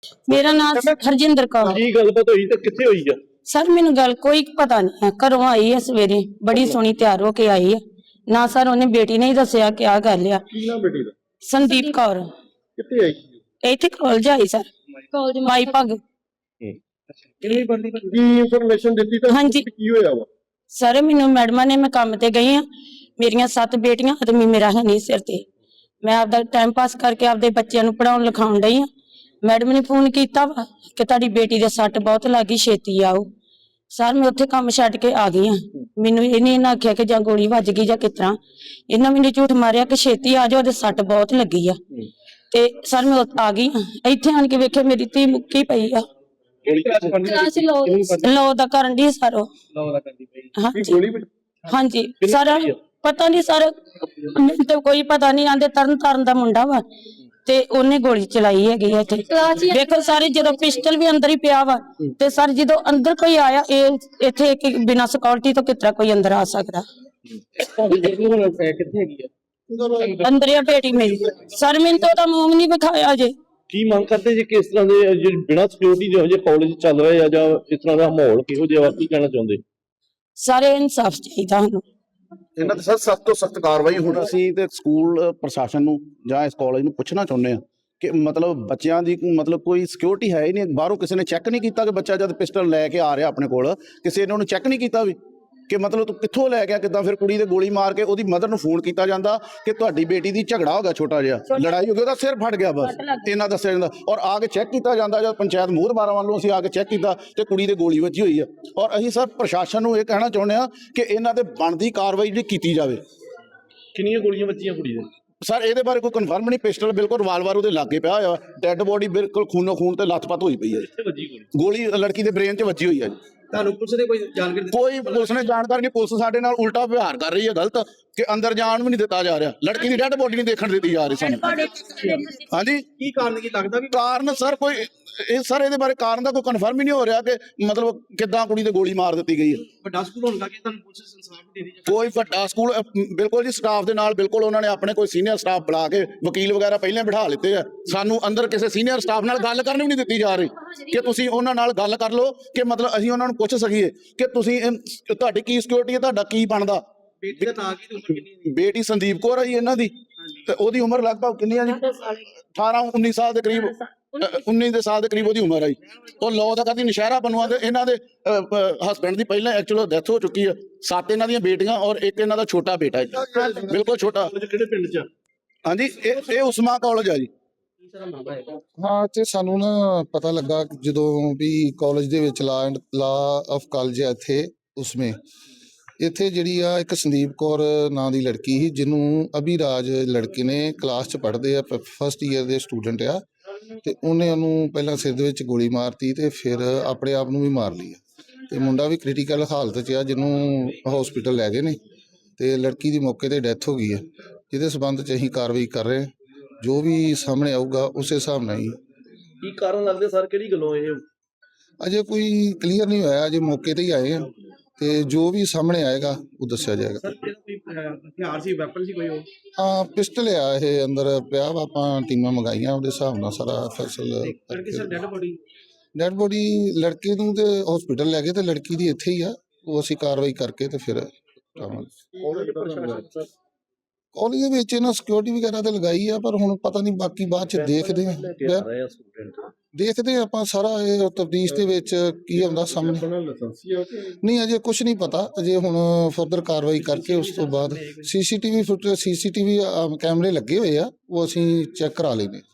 मेरा नाम हरजिंदर कौर। की गलबात हुई तो कित्थे हुई है? सर मैनू गल कोई पता नहीं है। घरों आई है सवेरे, बड़ी सोहनी तैयार होके आई है ना। सर उन्हें बेटी ने ही दसिया क्या गल आ। की नाम बेटी दा? संदीप कौर। कित्थे आई? इत्थे कॉलेज आई सर, कॉलेज माई भग। किन्नी बंदी की इंफॉर्मेशन दित्ती तो हाँ जी। की होया वा? सर मैनू मैडमा ने, मैं काम ते गई हाँ, मेरिया 7 बेटियां, आदमी मेरा है नहीं सिर ते। मैं आपदा टाइम पास करके आपदे बच्चों नूं पढ़ाउण लिखाउण डई हाँ। मैडम ने फोन किया वा कि तुहाडी बेटी दे सट बहुत लगी, छेती आओ। सर मैं उत्थे काम छड्ड के आ गई हाँ। मैनू इन्हें इन्हां आख्या कि जां गोली वज गई जां किस तरह। इन्हां मैनू झूठ मारिया कि छेती आ जाओ, ओहदे सट बहुत लगी आ। ते सर मैं आ गई हाँ। इत्थे आण के वेखे मेरी धी मुक्की पई आ। लो दा करन डी सर ओ। हाँ जी, हाँ जी सर पता नहीं सर, मैनूं तो कोई पता नहीं। आंदे तरन ताਰਨ दा मुंडा वा ते ओने गोली चलाई हैगी इत्थे। देखो सारे जदों पिस्टल भी अंदर ही पिया वा ते सर जदों अंदर कोई आया इत्थे बिना सिक्योरिटी तो किस तरह कोई अंदर आ सकदा? अंदर ही बेटी मेरी। सर मैनूं तो ओहदा मूंह नहीं विखाया जे। की मांग करते जी किस तरह दे बिना सिक्योरिटी जो जे कॉलेज चल रहा है या इस तरह का माहौल किहो जिहा की कहना चाहुंदे? सारे इंसाफ चाहिदा सानूं। ਇਹਨਾਂ ਤੇ ਸਰ ਸਖਤ ਤੋਂ ਸਖਤ ਕਾਰਵਾਈ ਹੁਣ ਅਸੀਂ ਤੇ ਸਕੂਲ ਪ੍ਰਸ਼ਾਸਨ ਨੂੰ ਜਾਂ ਇਸ ਕਾਲਜ ਨੂੰ ਪੁੱਛਣਾ ਚਾਹੁੰਦੇ ਹਾਂ ਕਿ ਮਤਲਬ ਬੱਚਿਆਂ ਦੀ ਮਤਲਬ ਕੋਈ ਸਿਕਿਉਰਿਟੀ ਹੈ ਹੀ ਨਹੀਂ। ਬਾਹਰੋਂ ਕਿਸੇ ਨੇ ਚੈੱਕ ਨਹੀਂ ਕੀਤਾ ਕਿ ਬੱਚਾ ਜਦ ਪਿਸਟਲ ਲੈ ਕੇ ਆ ਰਿਹਾ ਆਪਣੇ ਕੋਲ, ਕਿਸੇ ਨੇ ਉਹਨੂੰ ਚੈੱਕ ਨਹੀਂ ਕੀਤਾ ਵੀ ਕਿ ਮਤਲਬ ਤੂੰ ਕਿੱਥੋਂ ਲੈ ਗਿਆ, ਕਿੱਦਾਂ। ਫਿਰ ਕੁੜੀ ਦੇ ਗੋਲੀ ਮਾਰ ਕੇ ਉਹਦੀ ਮਦਰ ਨੂੰ ਫੋਨ ਕੀਤਾ ਜਾਂਦਾ ਕਿ ਤੁਹਾਡੀ ਬੇਟੀ ਦੀ ਝਗੜਾ ਹੋ ਗਿਆ, ਛੋਟਾ ਜਿਹਾ ਲੜਾਈ ਹੋ ਗਈ, ਉਹਦਾ ਸਿਰ ਫਟ ਗਿਆ, ਬਸ ਇੰਨਾ ਦੱਸਿਆ ਜਾਂਦਾ। ਔਰ ਆ ਕੇ ਚੈੱਕ ਕੀਤਾ ਜਾਂਦਾ, ਜਦ ਪੰਚਾਇਤ ਮੋਹਰਬਾਰਾਂ ਵੱਲੋਂ ਅਸੀਂ ਆ ਕੇ ਚੈੱਕ ਕੀਤਾ ਤੇ ਕੁੜੀ ਦੇ ਗੋਲੀ ਵੱਜੀ ਹੋਈ ਆ। ਔਰ ਅਸੀਂ ਸਰ ਪ੍ਰਸ਼ਾਸਨ ਨੂੰ ਇਹ ਕਹਿਣਾ ਚਾਹੁੰਦੇ ਹਾਂ ਕਿ ਇਹਨਾਂ ਤੇ ਬਣਦੀ ਕਾਰਵਾਈ ਜਿਹੜੀ ਕੀਤੀ ਜਾਵੇ। ਕਿੰਨੀਆਂ ਗੋਲੀਆਂ ਵੱਜੀਆਂ ਕੁੜੀ ਦੇ? ਸਰ ਇਹਦੇ ਬਾਰੇ ਕੋਈ ਕਨਫਰਮ ਨਹੀਂ। ਪਿਸਟਲ ਬਿਲਕੁਲ ਰਿਵਾਲਵਰ ਉਹਦੇ ਲਾਗੇ ਪਿਆ ਹੋਇਆ, ਡੈੱਡ ਬੋਡੀ ਬਿਲਕੁਲ ਖੂਨੋ ਖੂਨ ਤੇ ਲੱਥਪੱਥ ਹੋਈ ਪਈ ਹੈ। ਗੋਲੀ ਲੜਕੀ ਦੇ ਬ੍ਰੇਨ 'ਚ ਵੱਜੀ ਹੋਈ ਹੈ ਜੀ। ਤੁਹਾਨੂੰ ਪੁਲਿਸ ਨੇ ਕੋਈ ਜਾਣਕਾਰੀ? ਕੋਈ ਪੁਲਿਸ ਨੇ ਜਾਣਕਾਰੀ ਨਹੀਂ। ਪੁਲਿਸ ਸਾਡੇ ਨਾਲ ਉਲਟਾ ਵਿਵਹਾਰ ਕਰ ਰਹੀ ਹੈ, ਗਲਤ, ਕਿ ਅੰਦਰ ਜਾਣ ਵੀ ਨਹੀਂ ਦਿੱਤਾ ਜਾ ਰਿਹਾ। ਲੜਕੀ ਦੀ ਡੈੱਡ ਬੋਡੀ ਨਹੀਂ ਦੇਖਣ ਦਿੱਤੀ ਜਾ ਰਹੀ ਸਾਨੂੰ। ਹਾਂਜੀ ਕੀ ਕਾਰਨ ਕੀ ਲੱਗਦਾ ਵੀ? ਕਾਰਨ ਸਰ ਕੋਈ ਇਹ ਸਰ ਇਹਦੇ ਬਾਰੇ ਕਾਰਨ ਦਾ ਕੋਈ ਕਨਫਰਮ ਹੀ ਨਹੀਂ ਹੋ ਰਿਹਾ ਕਿ ਮਤਲਬ ਕਿੱਦਾਂ ਕੁੜੀ ਤੇ ਗੋਲੀ ਮਾਰ ਦਿੱਤੀ ਗਈ ਹੈ। ਵੱਡਾ ਸਕੂਲ ਹੋਣ ਕਰਕੇ ਤੁਹਾਨੂੰ ਪੁਲਿਸ ਇਨਸਾਫ ਦੇ ਰਹੀ ਹੈ? ਕੋਈ ਵੱਡਾ ਸਕੂਲ ਬਿਲਕੁਲ ਜੀ, ਸਟਾਫ ਦੇ ਨਾਲ ਬਿਲਕੁਲ ਉਹਨਾਂ ਨੇ ਆਪਣੇ ਕੋਈ ਸੀਨੀਅਰ ਸਟਾਫ ਬੁਲਾ ਕੇ ਵਕੀਲ ਵਗੈਰਾ ਪਹਿਲਾਂ ਬਿਠਾ ਲਿੱਤੇ ਆ। ਸਾਨੂੰ ਅੰਦਰ ਕਿਸੇ ਸੀਨੀਅਰ ਸਟਾਫ ਨਾਲ ਗੱਲ ਕਰਨ ਵੀ ਨਹੀਂ ਦਿੱਤੀ ਜਾ ਰਹੀ ਕਿ ਤੁਸੀਂ ਉਹਨਾਂ ਨਾਲ ਗੱਲ ਕਰ ਲਓ ਕਿ ਮਤਲਬ ਅਸੀਂ ਉਹਨਾਂ ਨੂੰ ਪੁੱਛ ਸਕੀਏ ਕਿ ਤੁਸੀਂ ਤੁਹਾਡੀ ਕੀ ਸਿਕਿਉਰਿਟੀ ਹੈ, ਤੁਹਾਡਾ ਕੀ ਬਣਦਾ। ਬੇਟੀ ਦਾ ਨਾਂ ਕੀ, ਉਮਰ ਕਿੰਨੀ? ਬੇਟੀ ਸੰਦੀਪ ਕੌਰ ਹੈ ਜੀ ਇਹਨਾਂ ਦੀ, ਤੇ ਉਹਦੀ ਉਮਰ ਲਗਭਗ ਕਿੰਨੀ ਆ ਜੀ? 18-19 ਸਾਲ ਦੇ ਕਰੀਬ, 19 ਦੇ ਸਾਲ ਦੇ ਕਰੀਬ ਉਹਦੀ ਉਮਰ ਆ ਜੀ। ਉਹ ਲੋ ਦਾ ਕਰਦੀ ਨਸ਼ਹਿਰਾ ਬਣਵਾ ਦੇ। ਇਹਨਾਂ ਦੇ ਹਸਬੈਂਡ ਦੀ ਪਹਿਲਾਂ ਐਕਚੁਅਲ ਡੈਥ ਹੋ ਚੁੱਕੀ ਆ। 7 ਇਹਨਾਂ ਦੀਆਂ ਬੇਟੀਆਂ ਔਰ ਇੱਕ ਇਹਨਾਂ ਦਾ ਛੋਟਾ ਬੇਟਾ ਜੀ, ਬਿਲਕੁਲ ਛੋਟਾ। ਕਿਹੜੇ ਪਿੰਡ 'ਚ? ਹਾਂਜੀ ਇਹ ਉਸਮਾ ਕਾਲਜ ਆ ਜੀ। ਹਾਂ ਤੇ ਸਾਨੂੰ ਨਾ ਪਤਾ ਲੱਗਾ ਜਦੋਂ ਵੀ ਕਾਲਜ ਦੇ ਵਿੱਚ ਲਾ ਆਫ ਕਾਲਜ ਹੈ ਇੱਥੇ ਉਸਮੇ, ਇੱਥੇ ਜਿਹੜੀ ਆ ਇੱਕ ਸੰਦੀਪ ਕੌਰ ਨਾਂ ਦੀ ਲੜਕੀ ਸੀ, ਜਿਹਨੂੰ ਅਭਿਰਾਜ ਲੜਕੇ ਨੇ ਕਲਾਸ 'ਚ ਪੜ੍ਹਦੇ ਆ, ਫਸਟ ਈਅਰ ਦੇ ਸਟੂਡੈਂਟ ਆ, ਤੇ ਉਹਨੇ ਉਹਨੂੰ ਪਹਿਲਾਂ ਸਿਰ ਦੇ ਵਿੱਚ ਗੋਲੀ ਮਾਰਤੀ ਤੇ ਫਿਰ ਆਪਣੇ ਆਪ ਨੂੰ ਵੀ ਮਾਰ ਲਈ ਆ। ਤੇ ਮੁੰਡਾ ਵੀ ਕ੍ਰਿਟੀਕਲ ਹਾਲਤ 'ਚ ਆ, ਜਿਹਨੂੰ ਹਸਪੀਟਲ ਲੈ ਗਏ ਨੇ ਤੇ ਲੜਕੀ ਦੀ ਮੌਕੇ ਤੇ ਡੈਥ ਹੋ ਗਈ ਹੈ, ਜਿਹਦੇ ਸਬੰਧ 'ਚ ਅਸੀਂ ਕਾਰਵਾਈ ਕਰ ਰਹੇ ਹਾਂ। ਜੋ ਵੀ ਸਾਹਮਣੇ ਆਊਗਾ ਉਸੇ ਹਿਸਾਬ ਨਾਲ ਹੀ। ਕੀ ਕਾਰਨ ਲੱਗਦੇ ਸਰ, ਕਿਹੜੀ ਗੱਲੋਂ ਇਹ? ਅਜੇ ਕੋਈ ਕਲੀਅਰ ਨਹੀਂ ਹੋਇਆ, ਅਜੇ ਮੌਕੇ ਤੇ ਹੀ ਆਏ ਆ ਤੇ ਜੋ ਵੀ ਸਾਹਮਣੇ ਆਏਗਾ ਉਹ ਦੱਸਿਆ ਜਾਏਗਾ। ਸਰ ਕੋਈ ਹਥਿਆਰ ਸੀ, ਵੈਪਨ ਸੀ ਕੋਈ? ਉਹ ਹਾਂ ਪਿਸਟਲ ਆ ਇਹ ਅੰਦਰ ਪਿਆ ਵਾ। ਆਪਾਂ ਟੀਮਾਂ ਮੰਗਾਈਆਂ, ਉਹਦੇ ਹਿਸਾਬ ਨਾਲ ਸਾਰਾ ਫੈਸਲਾ। ਲੜਕੀ ਸਰ ਡੈਡ ਬੋਡੀ ਲੜਕੇ ਨੂੰ ਤੇ ਹਸਪੀਟਲ ਲੈ ਗਏ ਤੇ ਲੜਕੀ ਦੀ ਇੱਥੇ ਹੀ ਆ। ਉਹ ਅਸੀਂ ਕਾਰਵਾਈ ਕਰਕੇ ਤੇ ਫਿਰ ਕਾਲਜ ਦੇ ਵਿੱਚ ਇਹਨਾਂ ਸਿਕਿਉਰਿਟੀ ਵਗੈਰਾ ਤੇ ਲਗਾਈ ਆ, ਪਰ ਹੁਣ ਪਤਾ ਨਹੀਂ ਬਾਕੀ ਬਾਅਦ ਚ ਦੇਖਦੇ ਆ। ਦੇਖਦੇ ਆ ਆਪਾਂ ਸਾਰਾ ਇਹ ਤਫਤੀਸ਼ ਦੇ ਵਿੱਚ ਕੀ ਆਉਂਦਾ ਸਾਹਮਣੇ। ਨਹੀਂ ਅਜੇ ਕੁਝ ਨਹੀਂ ਪਤਾ, ਅਜੇ ਹੁਣ ਫਰਦਰ ਕਾਰਵਾਈ ਕਰਕੇ ਉਸ ਤੋਂ ਬਾਅਦ ਸੀਸੀਟੀਵੀ ਕੈਮਰੇ ਲੱਗੇ ਹੋਏ ਆ, ਉਹ ਅਸੀਂ ਚੈੱਕ ਕਰਾ ਲੈਂਦੇ।